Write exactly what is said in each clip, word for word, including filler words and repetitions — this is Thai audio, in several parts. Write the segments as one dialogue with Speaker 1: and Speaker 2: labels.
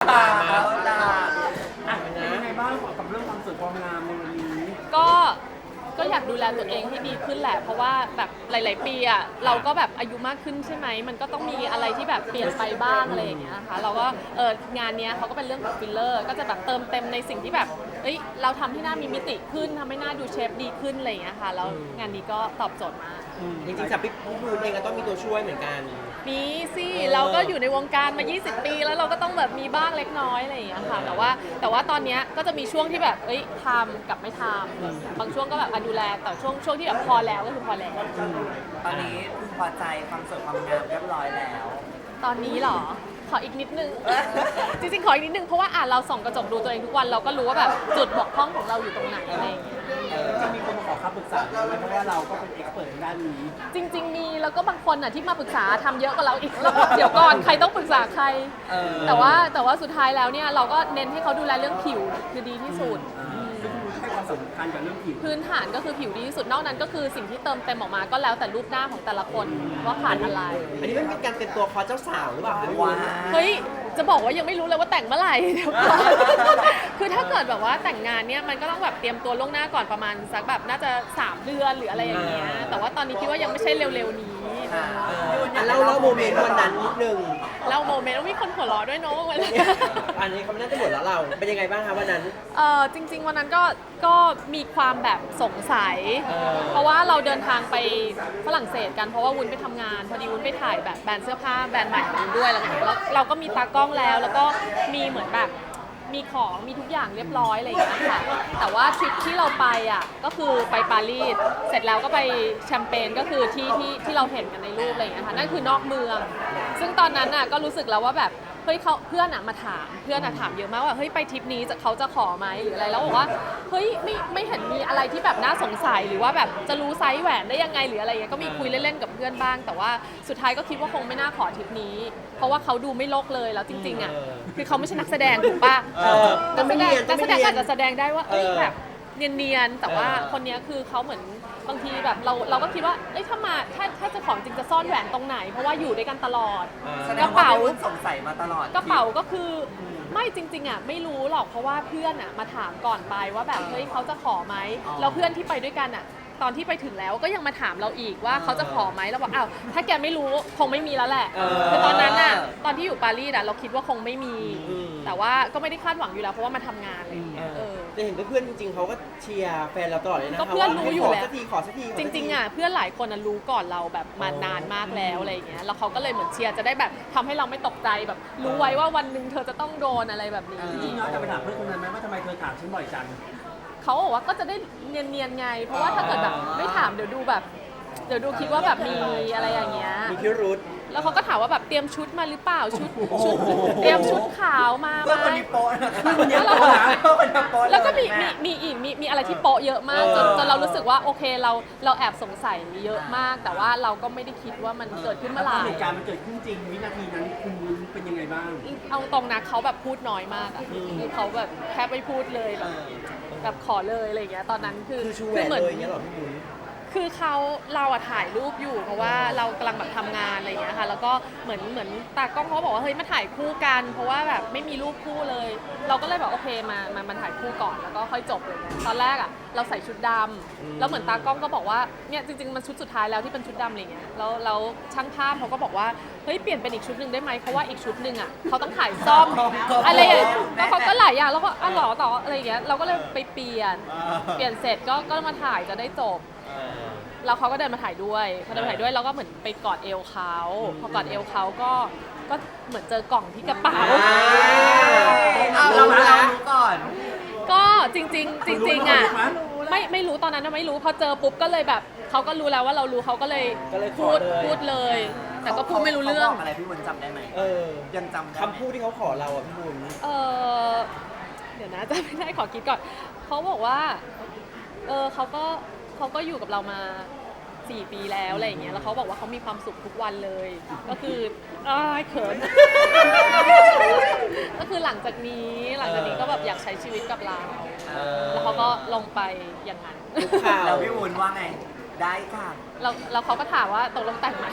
Speaker 1: เอาล่ะ
Speaker 2: อ่ะเป็นยังไงบ้างกับเรื่องความสวยความงามในวันนี้
Speaker 3: ก็ก็อยากดูแลตัวเองให้ดีขึ้นแหละเพราะว่าแบบหลายๆปีอ่ะเราก็แบบอายุมากขึ้นใช่ไหมมันก็ต้องมีอะไรที่แบบเปลี่ยนไปบ้างอะไรอย่างเงี้ยนะคะเราก็เอองานเนี้ยเขาก็เป็นเรื่องของฟิลเลอร์ก็จะแบบเติมเต็มในสิ่งที่แบบเอ้ยเราทำให้หน้ามีมิติขึ้นทำให้หน้าดูเชฟดีขึ้นอะไรอย่างเงี้ยค่ะแล้วงานนี้ก็ตอบโจทย์มาก
Speaker 1: จริงๆสำหรับพี่บูนเองก็ต้องมีตัวช่วยเหมือนกัน
Speaker 3: มีสิเราก็อยู่ในวงการมายี่สิบปีแล้วเราก็ต้องแบบมีบ้างเล็กน้อยอะไรอย่างเงี้ยค่ะแต่ว่าแต่ว่าตอนเนี้ยก็จะมีช่วงที่แบบเอ้ยทำกับไม่ทำบางช่วงก็แบบอ่ะดูแลแต่ช่วงช่วงที่แบบพอแล้วก็คือพอแล้ว
Speaker 4: ตอนนี้พึงพอใจความสวยความงามเรียบร้อยแล้ว
Speaker 3: ตอนนี้เหรอขออีกนิดนึง จริงๆขออีกนิดนึงเพราะว่าอ่ะเราส่องกระจกดูตัวเองทุกวันเราก็รู้ว่าแบบจุดบกพร่องของเราอยู่ตรงไหนอะไรอย่างเงี้ย
Speaker 2: จะมีคนมาขอคำปรึกษาไหมเพราะว่าเราก็เป็นเอ็กซ์เพิร์ทด้านนี้
Speaker 3: จริงๆมีแล้วก็บางคนอ่ะที่มาปรึกษาทำเยอะกว่าเราอีกแล้วก็เดี๋ยวก่อนใครต้องปรึกษาใครแต่ว่าแต่ว่าสุดท้ายแล้วเนี่ยเราก็เน้นให้เขาดูแลเรื่องผิวคือดีที่สุด
Speaker 2: ให้ความสำคัญกับเรื่องผิว
Speaker 3: พื้นฐานก็คือผิวดีที่สุดนอกนั้นก็คือสิ่งที่เติมเต็มออกมาก็แล้วแต่รูปหน้าของแต่ละคนว่าขาดอะไร
Speaker 1: อันนี้มันเป็นการเป็นตัวคอเจ้าสาวหรือเปล่าคะว้า
Speaker 3: เฮ้ยจะบอกว่ายังไม่รู้เลยว่าแต่งเมื่อไหร่เดี๋ยวก่อนคือถ้าเกิดแบบว่าแต่งงานเนี่ยมันก็ต้องแบบเตรียมตัวล่วงหน้าก่อนประมาณสักแบบน่าจะสามเดือนหรืออะไรอย่างเงี้ยแต่ว่าตอนนี้คิดว่ายังไม่ใช่เร็วๆนี้
Speaker 1: เล่าเล่าโมเมนต์วันนั้นนิดนึง
Speaker 3: เล่าโมเมนต์แล้วมีคนหัวเราะด้วยเนาะวันนั้น
Speaker 1: อันนี้เขาไม่น่าจะหมดแล้วเราเป็นยังไงบ้างคะวันนั้น
Speaker 3: เออจริงๆวันนั้นก็ก็มีความแบบสงสัยเพราะว่าเราเดินทางไปฝรั่งเศสกันเพราะว่าวุ้นไปทำงานพอดีวุ้นไปถ่ายแบบแบรนด์เสื้อผ้าแบรนด์ใหม่ของวุ้นด้วยแล้วเราก็มีตากล้องแล้วแล้วก็มีเหมือนแบบมีของมีทุกอย่างเรียบร้อยอะไรอย่างเงี้ยค่ะแต่ว่าทริปที่เราไปอ่ะก็คือไปปารีสเสร็จแล้วก็ไปแชมเปญก็คือที่ที่ที่เราเห็นกันในรูปอะไรอย่างเงี้ยค่ะนั่นคือนอกเมืองซึ่งตอนนั้นอ่ะก็รู้สึกแล้วว่าแบบเฮ้ยเขาเพื่อนอ่ะมาถามเพื่อนอ่ะถามเยอะมากว่าเฮ้ยไปทริปนี้จะเขาจะขอไหมหรืออะไรแล้วบอกว่าเฮ้ยไม่ไม่เห็นมีอะไรที่แบบน่าสงสัยหรือว่าแบบจะรู้ไซส์แหวนได้ยังไงหรืออะไรเงี้ยก็มีคุยเล่นๆกับเพื่อนบ้างแต่ว่าสุดท้ายก็คิดว่าคงไม่น่าขอทริปนี้เพราะว่าเขาดูไม่โลกเลยแล้วจริงๆอ่ะคือเขาไม่ใช่นักแสดงถูกป่ะนักแสดงนักแสดงอาจจะแสดงได้ว่าเอ้ยแบบเนียนๆแต่ว่าคนนี้คือเขาเหมือนบางทีแบบเราเราก็คิดว่าเอ้ยถ้ามาถ้าถ้าจะของจริงจะซ่อนแหวนตรงไหนเพราะว่าอยู่ด้วยกันตลอด
Speaker 4: กระเป๋าสงสัยมาตลอด
Speaker 3: กระเป๋าก็คือไม่จริงๆอ่ะไม่รู้หรอกเพราะว่าเพื่อนอ่ะมาถามก่อนไปว่าแบบเฮ้ยเขาจะขอไหมแล้วเพื่อนที่ไปด้วยกันอ่ะตอนที่ไปถึงแล้วก็ยังมาถามเราอีกว่าเขาจะขอไหมเราบอกอ้าวถ้าแกไม่รู้คงไม่มีแล้วแหละคือตอนนั้นน่ะตอนที่อยู่ปารีสอ่ะเราคิดว่าคงไม่มีแต่ว่าก็ไม่ได้คาดหวังอยู่แล้วเพราะว่ามาทำงานอะไรอย่างเงี้ย
Speaker 1: แต่เห็นเพื่อนจริงๆเขาก็เชียร์แฟนเราตลอดเลยนะ
Speaker 3: ก็เพื่อนรู้อยู่แล้ว
Speaker 1: ขอสักทีขอสักที
Speaker 3: จริงๆอ่ะเพื่อนหลายคนรู้ก่อนเราแบบมานานมากแล้วอะไรอย่างเงี้ยแล้วเขาก็เลยเหมือนเชียร์จะได้แบบทำให้เราไม่ตกใจแบบรู้ไว้ว่าวันหนึ่งเธอจะต้องโดนอะไรแบบนี้
Speaker 2: จริงๆน้องจะไปถามเพื่อนคนนั้นไหมว่าทำไมเธอถามฉันบ่อยจัง
Speaker 3: เขาบอกว่าก็จะได้เนียนๆไงเพราะว่าถ้าเกิดแบบไม่ถามเดี๋ยวดูแบบเดี๋ยวดูคิดว่าแบบมีอะไรอย่างเงี้ย
Speaker 1: มีพิรุธ
Speaker 3: แล้วเขาก็ถามว่าแบบเตรียมชุดมาหรือเปล่าชุดชุดเตรียมชุดขาวมาไหมแล้วก็มีมีมีอีกมีมีอะไรที่โป๊ะเยอะมากจนจนเรารู้สึกว่าโอเคเราเราแอบสงสัยเยอะมากแต่ว่าเราก็ไม่ได้คิดว่ามันเกิดขึ้นเมื่อไหร่
Speaker 2: เหตุการณ์มันเกิดขึ้นจริงวินาทีนั้นคุณเป็นยังไงบ้าง
Speaker 3: เอาตรงนะเขาแบบพูดน้อยมากอ่ะคือเขาแบบแทบไม่พูดเลยแบบแบบขอเลยอะไรอย่างเงี้ยตอนนั้นคือ
Speaker 1: คือเหมือนเลยเงี้ยหรอพี่บุญ
Speaker 3: คือเขาเราอะถ่ายรูปอยู่เพราะว่าเรากำลังแบบทำงานอะไรอย่างเงี้ยค่ะแล้วก็เหมือนเหมือนตากล้องเขาบอกว่าเฮ้ยมาถ่ายคู่กันเพราะว่าแบบไม่มีรูปคู่เลยเราก็เลยแบบโอเคมามามาถ่ายคู่ก่อนแล้วก็ค่อยจบเลยนะตอนแรกอะเราใส่ชุดดำแล้วเหมือนตากล้องก็บอกว่าเนี่ยจริงๆมันชุดสุดท้ายแล้วที่เป็นชุดดำอะไรเงี้ยแล้วแล้วช่างภาพเขาก็บอกว่าเฮ้ยเปลี่ยนเป็นอีกชุดหนึ่งได้ไหมเพราะว่าอีกชุดหนึ่งอะเขาต้องถ่ายซ่อมอะไรอย่างเงี้ยก็เขาก็หลายอย่างแล้วก็อ๋อหรอต่ออะไรอย่างเงี้ยเราก็เลยไปเปลี่ยนเปลี่ยนเสร็จก็ก็มาถ่ายจะได้จบแล้วเขาก็เดินมาถ่ายด้วยพอเดินมาถ่ายด้วยเราก็เหมือนไปกอดเอวเขาพอกอดเอวเขาก็ก็เหมือนเจอกล่องที่กระเป๋า
Speaker 4: เราเรารู้ก่อน
Speaker 3: ก็จริงๆจริงๆอ่ะไม่ไม่รู้ตอนนั้นไม่รู้พอเจอปุ๊บก็เลยแบบเขาก็รู้แล้วว่าเรารู้เขาก็เลยพูดพูดเลยแต่ก็พูดไม่รู้เรื่อง
Speaker 4: อะไรพี่บุญจำได้ไหมเออยังจำ
Speaker 1: คำพูดที่เขาขอเราอ่ะพี่บุญ
Speaker 3: เออเดี๋ยวนะจะไม่ได้ขอคิดก่อนเขาบอกว่าเออเขาก็เขาก็อยู่กับเรามาสี่ปีแล้วอะไรอย่างเงี้ยแล้วเขาบอกว่าเขามีความสุขทุกวันเลยก็คืออ้ายเขินก็คือหลังจากนี้หลังจากนี้ก็แบบอยากใช้ชีวิตกับเราแล้วเขาก็ลงไปอย่างนั้น
Speaker 4: แล้วพี่วุ้นว่าไงได้ค่ะ
Speaker 3: แล้วแล้วเขาก็ถามว่าตกลงแต่งไหม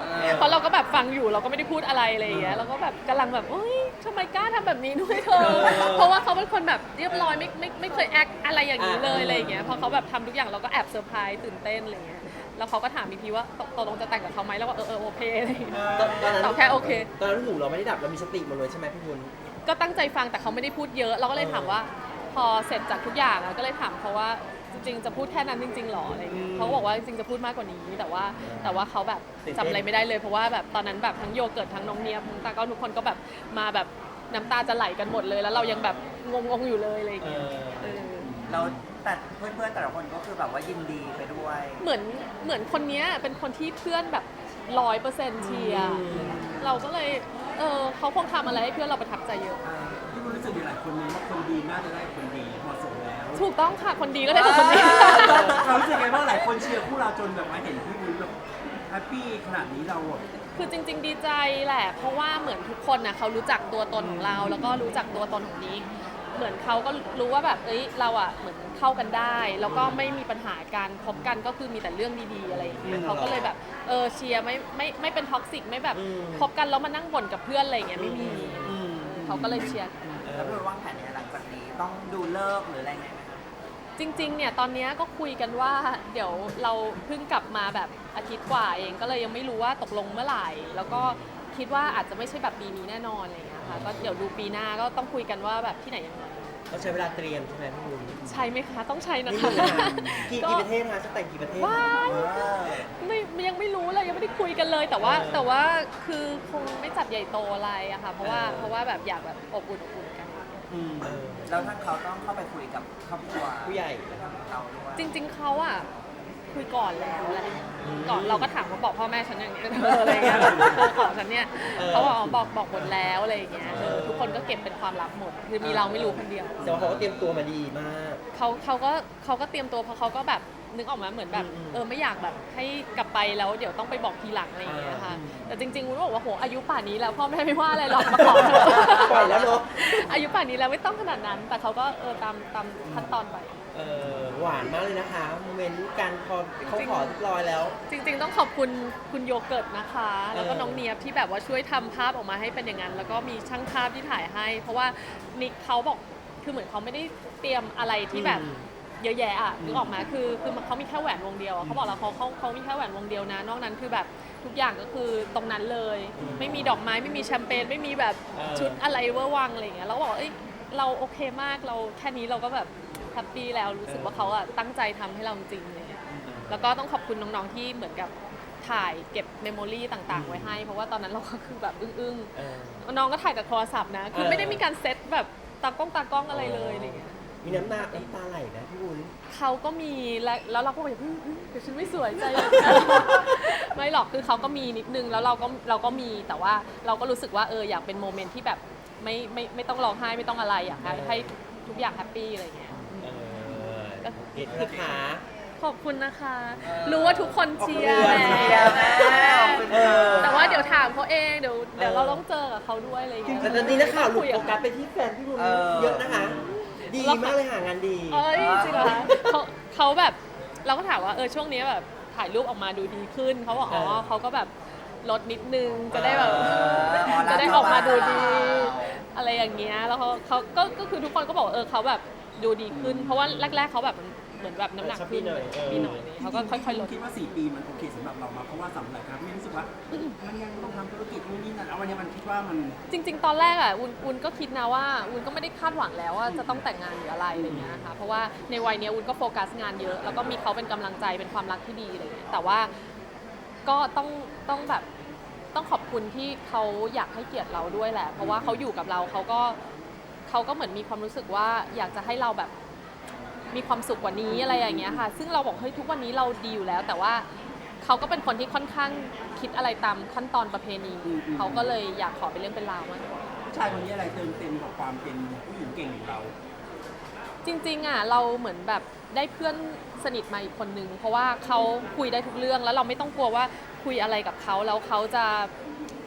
Speaker 3: เพราะเราก็แบบฟังอยู่เราก็ไม่ได้พูดอะไรอะไรอย่างเงี้ยเราก็แบบกำลังแบบเฮ้ยทำไมกล้าทำแบบนี้ด้วยเธอ เพราะว่าเขาเป็นคนแบบเรียบร้อยไม่ไม่ไม่เคยแอคอะไรอย่างนี้เลยอะไรอย่างเงี้ยพอเขาแบบทำทุกอย่างเราก็แอบเซอร์ไพรส์ตื่นเต้นอะไรเงี้ยแล้วเขาก็ถามอีกทีว่าตกตกลงจะแต่งกับเขาไหมแล้วก็เออเออโอเคอะไรอย่างเงี้ย
Speaker 1: ตอนตอนนั้น
Speaker 3: ตอบแค่โอเค
Speaker 1: ตอนนั้นหูเราไม่ได้ดับเรามีสติหมดเลยใช่ไหมพี่บุญ
Speaker 3: ก็ตั้งใจฟังแต่เขาไม่ได้พูดเยอะเราก็เลยถามว่า พอเสร็จจากทุกอย่างอะก็เลยถามเขาว่าจริงๆจะพูดแค่นั้นจริงๆหรออะไรเงี้ย
Speaker 1: อืม
Speaker 3: เขาก็บอกว่าจริงๆจะพูดมากกว่านี้แต่ว่าแต่ว่าเขาแบบ
Speaker 1: ตื่นเต้น
Speaker 3: จำอะไรไม่ได้เลยเพราะว่าแบบตอนนั้นแบบทั้งโยเกิร์ตทั้งน้องเนียบทั้งตาก็ทุกคนก็แบบมาแบบน้ำตาจะไหลกันหมดเลย แล้วเรายังแบบงงๆอยู่เลยอะไร
Speaker 1: เอ
Speaker 3: เงี้ย
Speaker 1: อ
Speaker 3: เออ
Speaker 4: แล้วแต่เพื่อนๆแต่ละคนก็คือแบบว่ายินดีไปด้วย
Speaker 3: เหมือนเหมือนคนเนี้ยเป็นคนที่เพื่อนแบบร้อยเปอร์เซ็นต์เชียร์
Speaker 1: อืม
Speaker 3: เราก็เลยเออเขาคงทำอะไรให้เพื่อนเราประทับใจเยอะ
Speaker 2: พี่บุญรู้สึกมีหลายคนนี้ว่าคนดีน่าจะได้คนดีเหมาะสมแล้ว
Speaker 3: ถูกต้องค่ะคนดีก็ได้กับคนดี
Speaker 2: เรารู้สึกไงบ้างหลายคนเชียร์คู่เราจนแบบมาเห็นพี่บุญแบบแฮปปี้ขนาดนี้เราแบบ
Speaker 3: คือจริง ๆ ดีใจแหละ เพราะว่าเหมือนทุกคนนะเขารู้จักตัวตนของเรา แล้วก็รู้จักตัวตนของนิกเหมือนเขาก็รู้ว่าแบบเอ้ยเราอ่ะเหมือนเข้ากันได้ แล้วก็ไม่มีปัญหาการคบกันก็คือมีแต่เรื่องดีๆอะไรอย่างเงี้ย
Speaker 1: อืม
Speaker 3: เขาก็เลยแบบเออเชียร์ไม่ไม่ไม่เป็นท็อกซิกไม่แบบ
Speaker 1: อืม
Speaker 3: คบกันแล้วมานั่งบ่นกับเพื่อนอะไรอย่างเงี้ยไม่มี
Speaker 1: อืม
Speaker 3: เขาก็เลยเชียร์
Speaker 1: เอ
Speaker 4: แล้ว
Speaker 1: อ
Speaker 4: พี่บุญวางแผนเนี่ยหลังจากนี้ต้องดูเลิกษ์หรืออะไรไงไหมคะ
Speaker 3: จริงๆ เนี่ยตอนเนี้ยก็คุยกันว่าเดี๋ยวเราเพิ่งกลับมาแบบอาทิตย์กว่าเองก็เลยยังไม่รู้ว่าตกลงเมื่อไหร่ แล้วก็คิดว่าอาจจะไม่ใช่แบบปีนี้แน่นอนอะไรอย่างเงี้ยค่ะก็เดี๋ยวดูปีหน้าก็ต้องคุยกันว่าแบบที่ไหนยังไง
Speaker 1: เราใช้เวลาเตรียมใช่ไหมพี่บุญ
Speaker 3: ใช่ไหมคะต้องใช้นะ
Speaker 1: ไม่
Speaker 3: คะ
Speaker 1: มีนะกี่กี่ประเทศคะจะแต่งกี่ประเทศ
Speaker 3: ว้ายไม่ยังไม่รู้เลยยังไม่ได้คุยกันเลย แต่ว่า
Speaker 1: เออ
Speaker 3: แต่ว่าคือคงไม่จัดใหญ่โตอะไรอะค่ะเพราะว่า
Speaker 1: เออ
Speaker 3: เพราะว่าแบบอยากแบบอบอุ่นอบอุ่นกัน
Speaker 2: อืม
Speaker 1: เออ
Speaker 4: แล้วท่านเขาต้องเข้าไปคุยกับครอบครัว
Speaker 1: ผู้ใหญ่
Speaker 4: เราด้วย
Speaker 3: จริง ๆเขาอะคุยก่อนแล้วแหละ
Speaker 1: อืม
Speaker 3: ก่อนเราก็ถามว่าบอกพ่อแม่ฉันอย่างนี้เอออะไรเงี้ยแบบเออของฉันเนี่ย
Speaker 1: เออ
Speaker 3: เขาบอกอ๋อบอกบอกหมดแล้วอะไรอย่างเงี้ยเออ
Speaker 1: เออ
Speaker 3: ทุกคนก็เก็บเป็นความลับหมดคือมีเราไม่รู้คนเดียว
Speaker 1: แต่ว่าเขาก็เตรียมตัวมาดีมาก
Speaker 3: เขาเขาก็เขาก็เตรียมตัวเพราะเขาก็แบบนึกออกมาเหมือนแบบ
Speaker 1: อืมอืม
Speaker 3: เออไม่อยากแบบให้กลับไปแล้วเดี๋ยวต้องไปบอกทีหลังอะไรอย่างเงี้ยค่ะแต่จริงๆวุ้นบอกว่าโหอายุป่านนี้แล้วพ่อแม่ไม่ว่าอะไรหรอกมาขอเถอะ
Speaker 1: ปล่อยแล้วเนอะ
Speaker 3: อายุป่านนี้แล้วไม่ต้องขนาดนั้น แต่เขาก็เออตามตามขั้นตอนไป
Speaker 1: เออหวานมากเลยนะคะโมเมนต์การพอเขาขอเรียบร้อยแล้ว
Speaker 3: จริงๆต้องขอบคุณคุณโยเกิร์ตนะคะ แล้วก็
Speaker 1: เออ
Speaker 3: น้องเนียบที่แบบว่าช่วยทำภาพออกมาให้เป็นอย่างนั้น แล้วก็มีช่างภาพที่ถ่ายให้ เพราะว่านิกเขาบอกคือเหมือนเขาไม่ได้เตรียมอะไรที่แบบ
Speaker 1: อืม
Speaker 3: เยอะแยะอ่ะนึกออกมาคือคือเขามีแค่แหวนวงเดียวอะเขาบอกแล้วเขาเขาเขามีแค่แหวนวงเดียวนะ นอกนั้นคือแบบทุกอย่างก็คือตรงนั้นเลย ไม่มีดอกไม้ไม่มีแชมเปญไม่มีแบบ
Speaker 1: เออ
Speaker 3: ชุดอะไรเวอร์วังอะไรอย่างเงี้ยแล้วบอกว่าเอ้ยเราโอเคมากเราแค่นี้เราก็แบบแฮปปี้แล้วรู้สึกว่าเขาอะตั้งใจทำให้เราจริงๆอะไรเลย แล้วก็ต้องขอบคุณน้องๆที่เหมือนกับถ่ายเก็บเมมโมรีต่างๆ ไว้ให้ เพราะว่าตอนนั้นเราก็คือแบบอึ้ง
Speaker 1: เออ
Speaker 3: ๆ น้องก็ถ่ายจากโทรศัพท์นะ คือ
Speaker 1: เออ
Speaker 3: ไม่ได้มีการเซตแบบตากล้องตากล้องอะไรเลยอะไรเงี้ย
Speaker 1: มีน้ำตาน้ำตาไหลนะพี่บุญ
Speaker 3: เขาก็มีและแล้วเราก็แบบอื้ออื้อเดี๋ยวฉันไม่สวยใจเลย ไม่หรอกคือเขาก็มีนิดนึงแล้วเราก็เราก็มีแต่ว่าเราก็รู้สึกว่าเอออยากเป็นโมเมนต์ที่แบบไม่ไม่ไม่ต้องร้องไห้ไม่ต้องอะไรอยากให้ให้ทุกอย่างแฮปปี้อะไรเงี้ย
Speaker 1: เออเห็นนะคะ
Speaker 3: ขอบคุณนะคะ รู้ว่าทุกคนเชียร์
Speaker 1: ขอบ
Speaker 3: แห
Speaker 1: คุณ
Speaker 3: ละ
Speaker 4: เชียร์แม่ขอบคุณ
Speaker 1: เออ
Speaker 3: แต่ว่าเดี๋ยวถามเขาเองเดี๋ยวเดี๋ยว
Speaker 1: เออ
Speaker 3: เราต้องเจอกับเขาด้วยอะไรอย่างเงี้ย
Speaker 1: แต่ตอนนี้นักข่าวหลุด
Speaker 3: คุย
Speaker 1: โฟ
Speaker 3: กับ
Speaker 1: กัส
Speaker 3: เขา
Speaker 1: ไปที่แฟนพี่บุญเยอะนะคะ ดีมากเลยหางานดี
Speaker 3: เอ้ยจริงเหรอคะเขาเขาแบบเราก็ถามว่าเออช่วงนี้แบบถ่ายรูปออกมาดูดีขึ้นเขาบอกอ๋อ
Speaker 1: เออ
Speaker 3: เขาก็แบบลดนิดนึงจะได้แบบ
Speaker 1: เออ
Speaker 3: จะได้ออกมาดูดี อะไรอย่างเงี้ยแล้วเขาเขาก็ก็คือทุกคนก็บอกว่าเออเขาแบบดูดีขึ้น เพราะว่าแรก ๆเขาแบบเหมือนแบบน้ำหนักขึ้น
Speaker 1: เออชอบมีหน่อยเออ
Speaker 3: มีหน่อยเลยเขาก็ค่อยๆลด
Speaker 2: คิดว่าสี่ปีมันโอเคสำหรับเรามาเพราะว่าสำหรับครับพี่รู้สึกว่ามันยังต้องทำธุรกิจนู่นนี่นั่นเอาวันนี้มันคิดว่ามัน
Speaker 3: จริง ๆ ตอนแรกอ่ะวุ้นวุ้นก็คิดนะว่าวุ้นก็ไม่ได้คาดหวังแล้วว่าจะต้องแต่งงานหรืออะไรอะไรเงี้ยนะคะเพราะว่าในวัยเนี้ยวุ้นก็โฟกัสงานเยอะ แล้วก็มีเขาเป็นกำลังใจเป็นความรักที่ดีอะไรเงี้ยแต่ว่าก็ต้องต้องแบบต้องขอบคุณที่เขาอยากให้เกียรติเราด้วยแหละ เพราะว่าเขาอยู่กับเราเขาก็เขาก็เหมือนมีความรู้สึกว่าอยากจะให้เราแบบมีความสุขกว่านี้อะไรอย่างเงี้ยค่ะซึ่งเราบอกเฮ้ยทุกวันนี้เราดีอยู่แล้ว แต่ว่าเขาก็เป็นคนที่ค่อนข้างคิดอะไรตามขั้นตอนประเพณี
Speaker 2: อืมอืม
Speaker 3: เขาก็เลยอยากขอเป็นเรื่องเป็นราวมากกว่า
Speaker 2: ผู้ชายคนนี้อะไรเติมเต็มกับความเป็นผู้หญิงเก่งของเรา
Speaker 3: จริงๆอ่ะเราเหมือนแบบได้เพื่อนสนิทมาอีกคนนึงเพราะว่าเขาคุยได้ทุกเรื่องแล้วเราไม่ต้องกลัวว่าคุยอะไรกับเขาแล้วเขาจะเหมือน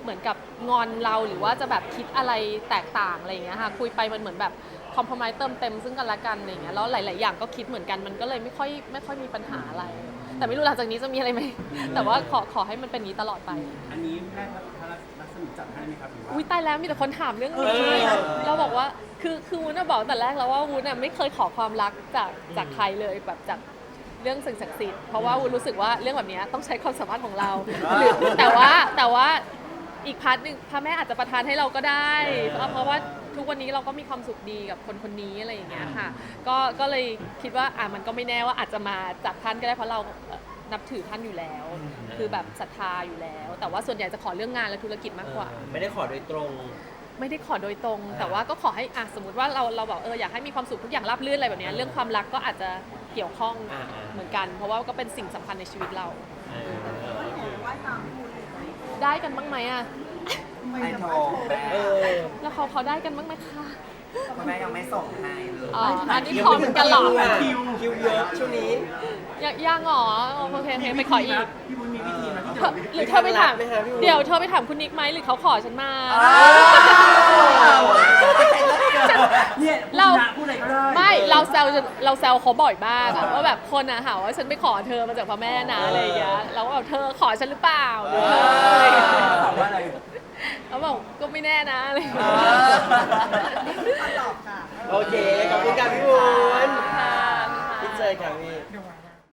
Speaker 3: มือนกับงอนเราหรือว่าจะแบบคิดอะไรแตกต่างอะไรอย่างเงี้ยค่ะคุยไปมันเหมือนแบบคอมเพลมไเติมเต็มซึ่งกันและกันอะไรอย่างเงี้ยแล้วหลาย ๆ อย่างก็คิดเหมือนกันมันก็เลยไม่ค่อยไม่ค่อยมีปัญหาอะไร แต่ไม่รู้หลังจากนี้จะมีอะไรไหมแต่ว่าขอขอให้มันเป็นอย่างนี้ตลอดไป
Speaker 2: อันนี้แม่พระรักษมีจัดให้ไหมครับหรือว่า
Speaker 3: อุ้ยตายแล้วมีแต่คนถามเรื่องนี้
Speaker 1: เออ
Speaker 3: เราบอกว่าคือคือวุ้นน่ะบอกแต่แรกแล้วว่าวุ้นน่ะไม่เคยขอความรักจากจากใครเลยแบบจากเรื่องสิ่งศักดิ์สิทธิ์เพราะว่าวุ้นรู้สึกว่าเรื่องแบบนี้ต้องใช้ความสามารถของเราหรือแต่ว่าแต่ว่าอีกพาร์ทหนึ่งพระแม่อาจจะประทานให้เราก็ได้เพราะเพราะว่าทุกวันนี้เราก็มีความสุขดีกับคนคนนี้อะไรอย่างเงี้ยค่ะก็ก็เลยคิดว่าอ่ะมันก็ไม่แน่ว่าอาจจะมาจากท่านก็ได้เพราะเราเอ่อนับถือท่านอยู่แล้ว คือแบบศรัทธาอยู่แล้ว แต่ว่าส่วนใหญ่จะขอเรื่องงานและธุรกิจมากกว่า
Speaker 1: เออไม่ได้ขอโดยตรง
Speaker 3: ไม่ได้ขอโดยตรง แต่ว่าก็ขอให้อ่ะสมมติว่าเราเราบอกเอออยากให้มีความสุขทุกอย่างราบรื่นอะไรแบบเนี้ยเรื่องความรักก็อาจจะเกี่ยวข้อง
Speaker 1: อ่า
Speaker 3: เหมือนกัน เพราะว่าก็เป็นสิ่งสำคัญในชีวิตเรา
Speaker 1: เออ
Speaker 3: ได้กันบ้างไหมอ่ะ
Speaker 4: ไม่โทรแม่
Speaker 1: เออ
Speaker 3: แล้วเขาเขาได้กันบ้างไหมคะ
Speaker 4: คุณแม่ยังไม่ส่งให้เลย
Speaker 3: อ๋ออันนี้ขอเหมือนกันเหรอ
Speaker 1: คิวคิวเยอะช่วงนี้
Speaker 3: ยังยังเหรอโอเคโอเคไปขออีก
Speaker 2: พี่บุญมีวิธีนะที่
Speaker 3: เธ
Speaker 2: จะ
Speaker 3: อหรือเธอไปถาม
Speaker 1: ไหมคะพี่วุ้น
Speaker 3: เดี๋ยวเธอไปถามคุณนิกไหมหรือเขาขอฉันมา
Speaker 2: เนี่ย
Speaker 3: เรา
Speaker 2: พูดอะไรก็ได้
Speaker 3: ไม่เราแซวจนเราแซวเขาบ่อยมากอะว่าแบบคนอะหาว่าฉันไปขอเธอมาจากพระแม่นะอะไรอย่างเงี้ยเราก็แบบเธอขอฉันหรือเปล่าหรืออะไรอย่างเงี้ย
Speaker 2: ตอบว่าอะไร
Speaker 3: เขาบอกก็ไม่แน่นะอะไรอย่างเงี้ย
Speaker 1: โอเค ขอบคุณค่ะพี่บุญ
Speaker 3: ค่ะ
Speaker 1: พี่เจอค่ะพี่